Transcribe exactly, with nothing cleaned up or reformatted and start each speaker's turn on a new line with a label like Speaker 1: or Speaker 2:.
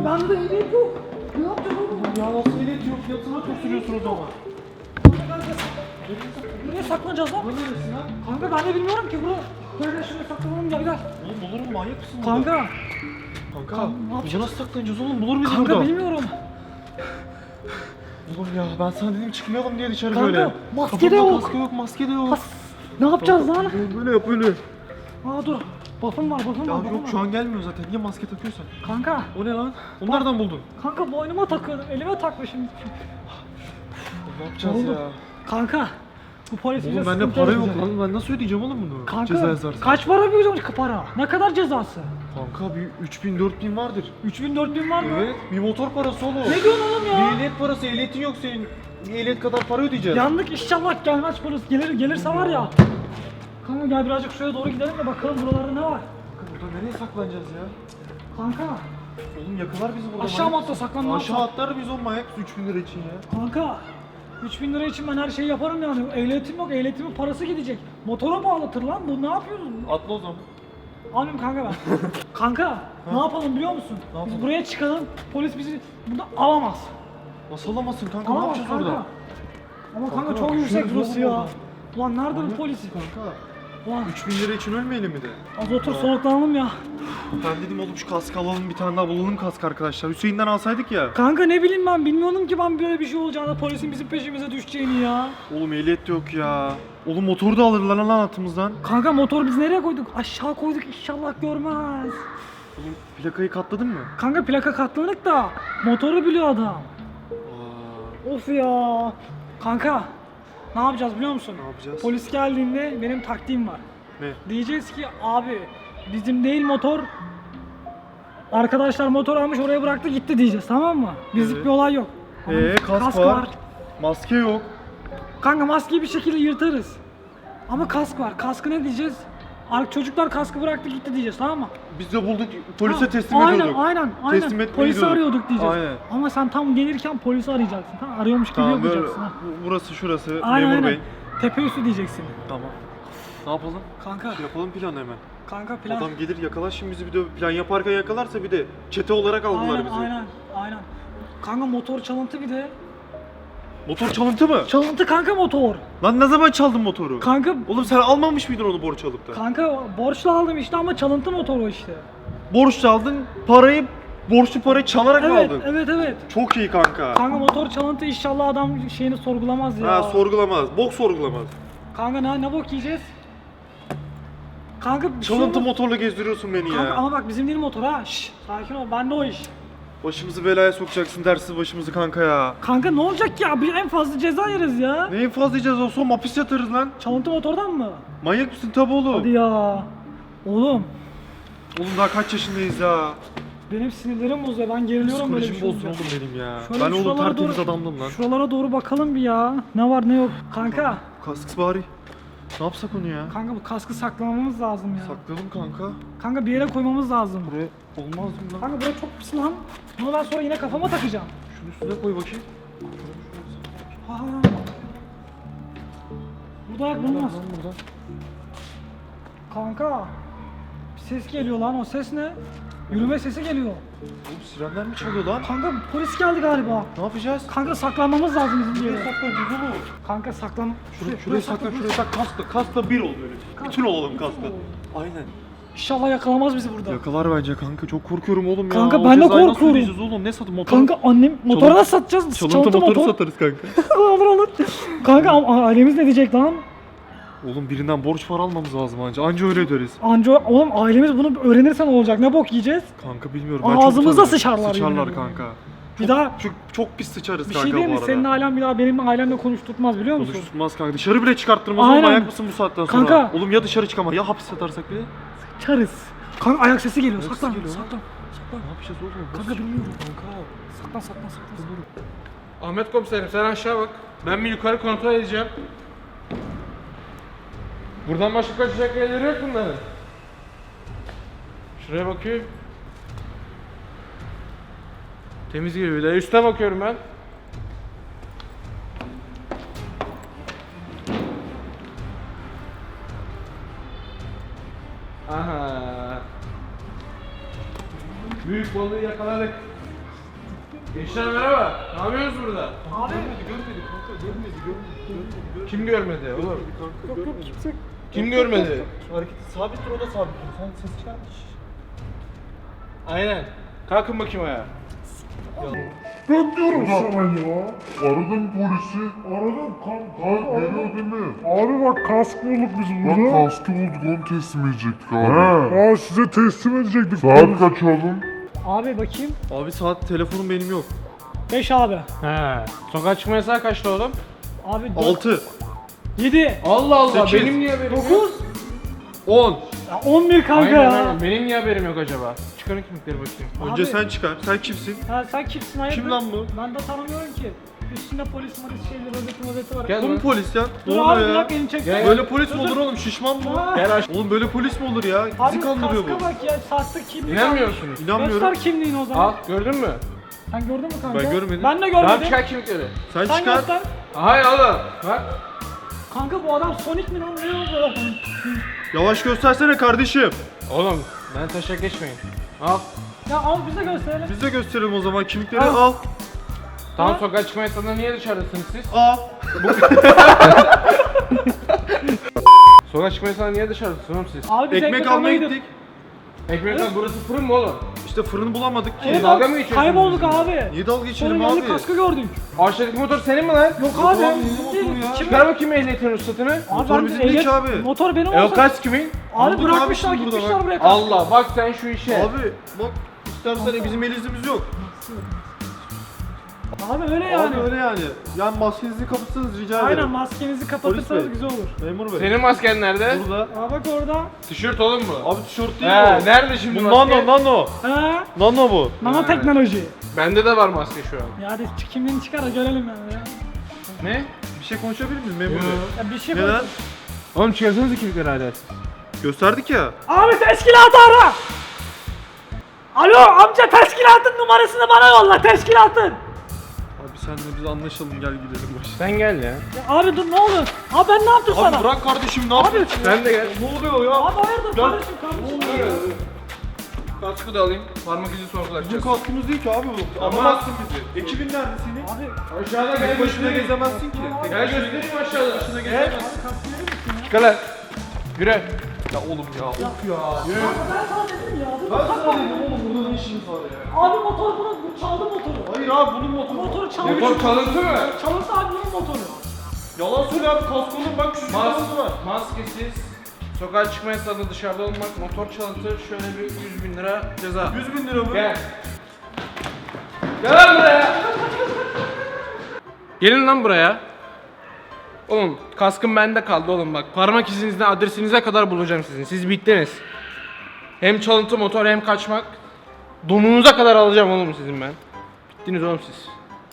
Speaker 1: Bende ehliyet yok. Ne yapacağız oğlum?
Speaker 2: Ya nasıl ehliyet yok? Yatına çok sürüyorsun o zaman.
Speaker 1: Nereye saklanacağız lan?
Speaker 2: Bu neresi lan?
Speaker 1: Kanka ben de bilmiyorum ki bunu. Böyle şöyle saklanalım gel gel.
Speaker 2: Oğlum olur mu? Manyak mısın burada?
Speaker 1: Kanka.
Speaker 2: Kanka.
Speaker 1: ne yapacağız?
Speaker 2: Biz nasıl saklanacağız oğlum? Bulur bizi
Speaker 1: Kanka
Speaker 2: burada.
Speaker 1: bilmiyorum.
Speaker 2: Oğlum ya ben sana dedim çıkmayalım diye dışarı
Speaker 1: Kanka,
Speaker 2: böyle.
Speaker 1: maske de
Speaker 2: Kafamda
Speaker 1: yok.
Speaker 2: Maske yok, maske de yok.
Speaker 1: Has. Ne yapacağız lan?
Speaker 2: Böyle yap böyle.
Speaker 1: Aa dur. Buff'ım var buff'ım
Speaker 2: Ya
Speaker 1: var. buff'ım
Speaker 2: yok
Speaker 1: var.
Speaker 2: şu an gelmiyor zaten. Niye maske takıyorsan?
Speaker 1: Kanka.
Speaker 2: O ne lan? Onu nereden buldun?
Speaker 1: Kanka boynuma takıyordum. Elime takmışım.
Speaker 2: Ne yapacağız
Speaker 1: Oldu.
Speaker 2: ya?
Speaker 1: Kanka. Bu polis bize
Speaker 2: Oğlum bende
Speaker 1: sıkıntı
Speaker 2: para yok
Speaker 1: yaratacak.
Speaker 2: lan. Ben nasıl ödeyeceğim oğlum bunu?
Speaker 1: Kanka
Speaker 2: Ceza yazarsa.
Speaker 1: kaç para biliyorsun para? Ne kadar cezası?
Speaker 2: Kanka bir üç bin dört bin vardır.
Speaker 1: üç bin dört bin var mı?
Speaker 2: Evet. Bir motor parası oğlum.
Speaker 1: Ne diyorsun oğlum
Speaker 2: Bir
Speaker 1: ya?
Speaker 2: ehliyet parası. Ehliyetin yok senin. Bir ehliyet kadar para ödeyeceğiz.
Speaker 1: Yandık inşallah gelmez polis. Gelir gelirse var ya. Kanka gel birazcık şuraya doğru gidelim de bakalım buralarda ne var.
Speaker 2: Burada nereye saklanacağız ya?
Speaker 1: Kanka
Speaker 2: Oğlum yakalar bizi burada.
Speaker 1: aşağı mı
Speaker 2: manyak
Speaker 1: atla
Speaker 2: mısın?
Speaker 1: saklanma
Speaker 2: Aşağı
Speaker 1: atla.
Speaker 2: atlar biz on manyak üç bin lira için ya.
Speaker 1: Kanka üç bin lira için ben her şeyi yaparım yani. Ehliyetim yok, ehliyetimin parası gidecek. Motora bağlatır lan bu, ne yapıyorsun?
Speaker 2: Atla o zaman.
Speaker 1: Almayayım kanka ben. Kanka ne yapalım biliyor musun?
Speaker 2: Ne yapalım?
Speaker 1: Biz buraya çıkalım, polis bizi burada alamaz.
Speaker 2: Nasıl alamazsın kanka? Ne
Speaker 1: Alamaz
Speaker 2: yapacağız
Speaker 1: kanka.
Speaker 2: orada?
Speaker 1: Ama kanka,
Speaker 2: Kanka,
Speaker 1: çok yüksek
Speaker 2: düşeriz
Speaker 1: burası
Speaker 2: oğlum
Speaker 1: ya.
Speaker 2: oradan.
Speaker 1: Ulan nerede bu
Speaker 2: Manyak
Speaker 1: polis?
Speaker 2: mısın kanka?
Speaker 1: Ulan
Speaker 2: üç bin lira için ölmeyelim mi de?
Speaker 1: az otur soluklanalım ya.
Speaker 2: Ben dedim oğlum şu kask alalım bir tane daha bulalım kask arkadaşlar. Hüseyin'den alsaydık ya.
Speaker 1: Kanka ne bileyim ben, bilmiyordum ki ben böyle bir şey olacağını, polisin bizim peşimize düşeceğini ya.
Speaker 2: Oğlum ehliyet de yok ya. Oğlum motoru da alırlar lan altımızdan.
Speaker 1: Kanka motor biz nereye koyduk? Aşağı koyduk, inşallah görmez.
Speaker 2: Oğlum plakayı katladın mı?
Speaker 1: Kanka plaka katlanık da motoru biliyor adam.
Speaker 2: Aa,
Speaker 1: Of ya. Kanka ne yapacağız biliyor musun?
Speaker 2: ne yapacağız?
Speaker 1: Polis geldiğinde benim taktiğim var.
Speaker 2: Ne?
Speaker 1: Diyeceğiz ki abi bizim değil motor. Arkadaşlar motor almış oraya bıraktı gitti diyeceğiz, tamam mı? Bizlik
Speaker 2: Evet.
Speaker 1: bir olay yok. Ama
Speaker 2: Ee kask, var. Maske yok.
Speaker 1: Kanka maskeyi bir şekilde yırtarız. Ama kask var. Kaskı ne diyeceğiz? Ar- Çocuklar kaskı bıraktı gitti diyeceğiz, tamam mı?
Speaker 2: Biz de bulduk polise
Speaker 1: Ha,
Speaker 2: teslim
Speaker 1: aynen,
Speaker 2: ediyorduk.
Speaker 1: Aynen aynen
Speaker 2: Teslim etmeyi
Speaker 1: Polisi
Speaker 2: diyorduk.
Speaker 1: arıyorduk diyeceğiz.
Speaker 2: Aynen.
Speaker 1: Ama sen tam gelirken polisi arayacaksın. Tamam, arıyormuş gibi
Speaker 2: Tamam böyle
Speaker 1: yapacaksın. Ha.
Speaker 2: bu- burası şurası
Speaker 1: Aynen
Speaker 2: memur
Speaker 1: aynen.
Speaker 2: bey.
Speaker 1: Tepe üstü diyeceksin.
Speaker 2: Tamam. Ne yapalım?
Speaker 1: Kanka
Speaker 2: Yapalım planı hemen.
Speaker 1: kanka plan.
Speaker 2: Adam gelir yakalar şimdi bizi bir de plan yaparken yakalarsa bir de çete olarak aldılar
Speaker 1: Aynen
Speaker 2: bizi.
Speaker 1: aynen aynen. Kanka motor çalıntı bir de.
Speaker 2: Motor çalıntı mı?
Speaker 1: Çalıntı kanka motor.
Speaker 2: Lan ne zaman çaldın motoru?
Speaker 1: Kanka
Speaker 2: Oğlum sen almamış mıydın onu borç alıp da?
Speaker 1: kanka borçlu aldım işte ama çalıntı motor o işte.
Speaker 2: Borç aldın, parayı borçlu parayı çalarak mı
Speaker 1: Evet
Speaker 2: aldın?
Speaker 1: evet evet.
Speaker 2: Çok iyi kanka.
Speaker 1: Kanka motor çalıntı, inşallah adam şeyini sorgulamaz ya.
Speaker 2: Ha sorgulamaz. Bok sorgulamaz.
Speaker 1: Kanka ne, ne bok yiyeceğiz? Kanka bir şey
Speaker 2: Çalıntı
Speaker 1: olmaz.
Speaker 2: motorla gezdiriyorsun beni
Speaker 1: Kanka
Speaker 2: ya.
Speaker 1: ama bak bizim değil motor ha. Şşş sakin ol, bende o iş.
Speaker 2: Başımızı belaya sokacaksın dersiz başımızı kanka ya.
Speaker 1: Kanka ne olacak ya? Bir en fazla ceza yeriz ya.
Speaker 2: Ne infaz edeceğiz olsun hapis yatarız lan.
Speaker 1: Çalıntı motordan mı?
Speaker 2: Manyak mısın tabi oğlum.
Speaker 1: Hadi ya. Oğlum
Speaker 2: Oğlum daha kaç yaşındayız ya.
Speaker 1: benim sinirlerim bozuyor. Ben geriliyorum böyle bir
Speaker 2: Psikolojim
Speaker 1: şey
Speaker 2: bozsun
Speaker 1: olunca.
Speaker 2: oğlum benim ya.
Speaker 1: Şöyle
Speaker 2: Ben oğlum
Speaker 1: şuralara
Speaker 2: tertemiz
Speaker 1: doğru-
Speaker 2: adamdım lan.
Speaker 1: Şuralara doğru bakalım bir ya. Ne var ne yok. Kanka.
Speaker 2: Kasks bari. Ne yapsak onu ya?
Speaker 1: Kanka bu kaskı saklamamız lazım ya.
Speaker 2: Saklayalım kanka.
Speaker 1: Kanka bir yere koymamız lazım.
Speaker 2: Buraya olmaz mı lan?
Speaker 1: Kanka buraya çok pis lan. Bunu ben sonra yine kafama takacağım.
Speaker 2: Şunu üstüne koy bakayım.
Speaker 1: Aa. Burada ayak bulmaz.
Speaker 2: Lan buradan.
Speaker 1: Kanka. Bir ses geliyor lan, o ses ne? Yürüme sesi geliyor.
Speaker 2: Oğlum sirenler mi çalıyor lan?
Speaker 1: Kanka polis geldi galiba.
Speaker 2: Ne yapacağız?
Speaker 1: Kanka saklanmamız lazım bizim bir
Speaker 2: Nereye
Speaker 1: yere.
Speaker 2: saklanacağız oğlum?
Speaker 1: Kanka saklan.
Speaker 2: Şuraya, şuraya saklan, şuraya sak. Kaskla, kaskla bir ol böyle. Bütün olalım kaskla. Aynen.
Speaker 1: İnşallah yakalamaz bizi burada.
Speaker 2: Yakalar bence kanka. Çok korkuyorum oğlum ya.
Speaker 1: Kanka
Speaker 2: O
Speaker 1: ben de
Speaker 2: cezayı nasıl
Speaker 1: korkuyorum.
Speaker 2: ödeyeceğiz oğlum? Ne satın motor?
Speaker 1: Kanka annem motora nasıl satacağız?
Speaker 2: Çalıntı motoru satarız kanka.
Speaker 1: olur olur. Kanka a- ailemiz ne diyecek lan?
Speaker 2: Oğlum birinden borç para almamız lazım anca. Anca öyle öderiz.
Speaker 1: Anca oğlum ailemiz bunu öğrenirse ne olacak? Ne bok yiyeceğiz?
Speaker 2: Kanka bilmiyorum.
Speaker 1: Ağzımıza
Speaker 2: çok utanıyorum.
Speaker 1: sıçarlar
Speaker 2: Sıçarlar
Speaker 1: yemin
Speaker 2: kanka.
Speaker 1: Bir
Speaker 2: Çok-
Speaker 1: daha
Speaker 2: Çok, çok pis sıçarız
Speaker 1: bir
Speaker 2: kanka
Speaker 1: şey değil
Speaker 2: bu
Speaker 1: mi?
Speaker 2: arada.
Speaker 1: Senin ailen bir daha benim ailemle konuşturtmaz biliyor musun?
Speaker 2: Konuşturmaz kanka. Dışarı bile çıkarttırmaz oğlum.
Speaker 1: Aynen.
Speaker 2: Ayak mısın bu saatten sonra?
Speaker 1: Kanka.
Speaker 2: Oğlum ya dışarı çıkamaz ya hapis yatarsak bile.
Speaker 1: Çarız. Kanka ayak sesi geliyor.
Speaker 2: Ayak
Speaker 1: Saklan.
Speaker 2: sesi geliyor lan.
Speaker 1: Saklan. Saklan.
Speaker 2: Ne yapacağız oğlum?
Speaker 1: Kanka
Speaker 2: Nasıl-
Speaker 1: bilmiyorum.
Speaker 2: Kanka.
Speaker 1: Saklan saklan saklan.
Speaker 3: Ahmet komiserim sen aşağı bak. Ben bir yukarı kontrol edeceğim. Buradan başka kaçacak yerleri yok bunların. Şuraya bakayım. Temiz geliyor. Bir de üste bakıyorum ben. Aha. Büyük balığı yakaladık. Gençler merhaba. Ne yapıyorsunuz burada?
Speaker 1: Abi.
Speaker 2: Görmedi kanka, görmedi, görmedi, görmedi, görmedi.
Speaker 3: Kim görmedi oğlum?
Speaker 2: Kanka,
Speaker 1: Yok yok kimse.
Speaker 3: Kim görmedi?
Speaker 2: Hareketi sabit dur, o da sabit dur. Sen ses çıkarmış.
Speaker 3: Aynen. Kalkın bakayım ayağa.
Speaker 4: Ben diyorum sana ya. Aradım polisi. Aradım kan kan geliyor değil mi?
Speaker 5: Abi bak kask bulduk biz
Speaker 4: Bak
Speaker 5: burada.
Speaker 4: kaskı bulduk, onu teslim edecektik abi.
Speaker 5: Aa size teslim edecektik.
Speaker 4: Saat kaç oğlum?
Speaker 1: Abi bakayım.
Speaker 2: Abi saat telefonum benim yok.
Speaker 1: beş abi.
Speaker 3: He. Sokağa çıkma yasağı kaçtı oğlum?
Speaker 1: Abi
Speaker 2: altı.
Speaker 1: yedi.
Speaker 3: Allah Allah.
Speaker 2: Sekiz.
Speaker 3: Benim niye haberim yok?
Speaker 1: dokuz.
Speaker 2: on.
Speaker 1: Ya on bir kanka
Speaker 3: Aynen,
Speaker 1: ya.
Speaker 3: aynen. Benim niye haberim yok acaba? Çıkarın kimlikleri bakayım.
Speaker 2: Önce
Speaker 1: Abi-
Speaker 2: sen çıkar. Sen kimsin?
Speaker 1: Ha sen kimsin hayırdır?
Speaker 2: Kim lan bu?
Speaker 1: Ben de tanımıyorum ki. Üstünde polis malis şeyleri rozeti rozeti var.
Speaker 3: Gel
Speaker 2: Bu mu
Speaker 3: lan.
Speaker 2: polis ya? Ne
Speaker 1: Dur abi
Speaker 2: oluyor
Speaker 1: bırak
Speaker 2: ya?
Speaker 1: elini çek.
Speaker 3: Gel,
Speaker 2: Böyle polis mi olur oğlum? Şişman mı?
Speaker 1: Ha.
Speaker 3: Gel aç.
Speaker 2: Oğlum böyle polis mi olur ya?
Speaker 1: Abi
Speaker 2: Bizi kandırıyor
Speaker 1: kaska
Speaker 2: bu.
Speaker 1: bak ya sahte kimlik.
Speaker 3: İnanmıyor musunuz?
Speaker 2: İnanmıyorum.
Speaker 1: Göster kimliğini o zaman.
Speaker 3: Al gördün mü?
Speaker 1: Sen gördün mü kanka?
Speaker 2: Ben görmedim.
Speaker 1: Ben de
Speaker 3: Tamam
Speaker 1: görmedim.
Speaker 3: çıkar kimlikleri.
Speaker 2: Sen
Speaker 1: Sen
Speaker 2: çıkar.
Speaker 1: göster.
Speaker 3: Hayır oğlum. Bak.
Speaker 1: Kanka bu adam Sonic mi lan? Ne oldu?
Speaker 2: Yavaş göstersene kardeşim.
Speaker 3: Oğlum ben taşak geçmeyin. Al.
Speaker 1: Ya al bize gösterelim.
Speaker 2: Biz de gösterelim o zaman kimlikleri
Speaker 1: Al.
Speaker 2: al.
Speaker 3: Tamam
Speaker 1: Ha?
Speaker 3: sokağa çıkma yasağında niye dışarıdasınız siz?
Speaker 2: Al.
Speaker 3: Sokağa çıkma yasağında niye dışarıdasınız oğlum siz?
Speaker 1: Abi biz
Speaker 2: Ekmek almaya gittik.
Speaker 3: Ekmek lan burası fırın mı oğlum?
Speaker 2: İşte fırını bulamadık ki.
Speaker 1: Evet
Speaker 3: Dalga
Speaker 1: abi,
Speaker 3: mı geçiyorsun
Speaker 1: kaybolduk
Speaker 3: bizimle?
Speaker 1: abi.
Speaker 2: Niye dalga
Speaker 1: Sonra
Speaker 2: geçelim
Speaker 1: geldik
Speaker 2: abi?
Speaker 1: kaskı gördük.
Speaker 3: Aşağıdaki motor senin mi lan?
Speaker 1: Yok abi.
Speaker 2: abi, ne motoru ya?
Speaker 1: Kim?
Speaker 3: Çıkar bakayım ehliyetin ruhsatını.
Speaker 1: Abi
Speaker 2: Motor
Speaker 1: ben
Speaker 2: bizim
Speaker 1: de
Speaker 2: değil
Speaker 1: ehliyet-
Speaker 2: ki abi.
Speaker 1: Motor benim
Speaker 3: E o
Speaker 1: olsa.
Speaker 3: kaç kimin?
Speaker 1: Abi
Speaker 2: Aldık
Speaker 1: bırakmışlar
Speaker 2: abi şimdi burada
Speaker 1: gitmişler
Speaker 2: bak.
Speaker 1: buraya kaskı.
Speaker 3: Allah bak sen şu işe.
Speaker 2: Abi bak istersen bizim elimizimiz yok.
Speaker 1: Abi öyle yani.
Speaker 2: Abi öyle yani. Yani maskenizi kapatsanız rica ederim.
Speaker 1: Aynen maskenizi kapatırsanız
Speaker 2: Polis bey.
Speaker 1: güzel olur.
Speaker 2: Memur bey.
Speaker 3: Senin masken nerede?
Speaker 2: Burada.
Speaker 1: Aa bak orada.
Speaker 3: Tişört oğlum bu.
Speaker 2: Abi tişört değil
Speaker 3: He,
Speaker 2: mi o?
Speaker 3: nerede şimdi
Speaker 2: Bu
Speaker 3: maske?
Speaker 2: nano nano.
Speaker 1: Ha?
Speaker 2: Nano bu.
Speaker 1: Nanoteknoloji.
Speaker 3: Bende de var maske şu an.
Speaker 1: Ya hadi kimliğini çıkar da görelim yani ya.
Speaker 3: Ne?
Speaker 2: Bir şey konuşabilir miyiz memur
Speaker 3: Yo.
Speaker 2: bey?
Speaker 1: Ya bir şey
Speaker 2: Neden?
Speaker 1: bak.
Speaker 3: Oğlum çıkarsanız kimlikleri hala.
Speaker 2: Gösterdik ya.
Speaker 1: Abi teşkilatı ara. Alo amca teşkilatın numarasını bana yolla teşkilatın.
Speaker 2: Abi senle biz anlaşalım, gel gidelim başta.
Speaker 3: Sen gel ya.
Speaker 1: Ya abi dur ne olur. Abi ben ne yaptım sana?
Speaker 2: Abi bırak kardeşim, ne yapıyorsun?
Speaker 3: Sen de gel.
Speaker 2: Ne oluyor ya?
Speaker 1: Abi hayırdır
Speaker 2: Gel.
Speaker 1: kardeşim kardeşim.
Speaker 3: Kaskı da alayım. Parmak izi
Speaker 2: Bizim
Speaker 3: sorgulatacağız.
Speaker 2: kaskımız değil ki abi bu.
Speaker 3: Ama-
Speaker 2: Anlamazsın bizi. Ekibin nerede senin?
Speaker 1: Abi
Speaker 3: Aşağıda gel
Speaker 2: Tek başına
Speaker 3: göstereyim.
Speaker 2: gezemezsin ki. Tek
Speaker 3: Gel
Speaker 2: başına
Speaker 3: göstereyim aşağıda.
Speaker 2: başına gezemezsin.
Speaker 1: kaskı verir misin ya?
Speaker 3: Çıkar lan. Yürü.
Speaker 2: Ya oğlum ya. Of ya.
Speaker 3: Yürü.
Speaker 1: Ben sana dedim ya. Dur,
Speaker 2: Ben
Speaker 1: bak
Speaker 2: sana
Speaker 1: bak.
Speaker 2: dedim oğlum, burada ne işiniz var ya?
Speaker 1: Abi motor bunu bu çaldı motoru.
Speaker 2: Hayır abi, bunun motoru.
Speaker 1: Motoru çalmış.
Speaker 3: Motor çalıntı mı?
Speaker 1: Çalıntı abi bunun motoru.
Speaker 2: Yalan söyle abi, kaskonun bak şu şurası var.
Speaker 3: Maskesiz. Sokağa çıkma yasağında dışarıda olmak, motor çalıntı, şöyle bir yüz bin lira ceza.
Speaker 2: yüz bin lira mı?
Speaker 3: Gel. Gel lan buraya. Gelin lan buraya. Oğlum kaskım bende kaldı oğlum bak. Parmak izinizden adresinize kadar bulacağım sizin. Siz bittiniz. Hem çalıntı motor hem kaçmak. Donunuza kadar alacağım oğlum sizin ben. Bittiniz oğlum siz.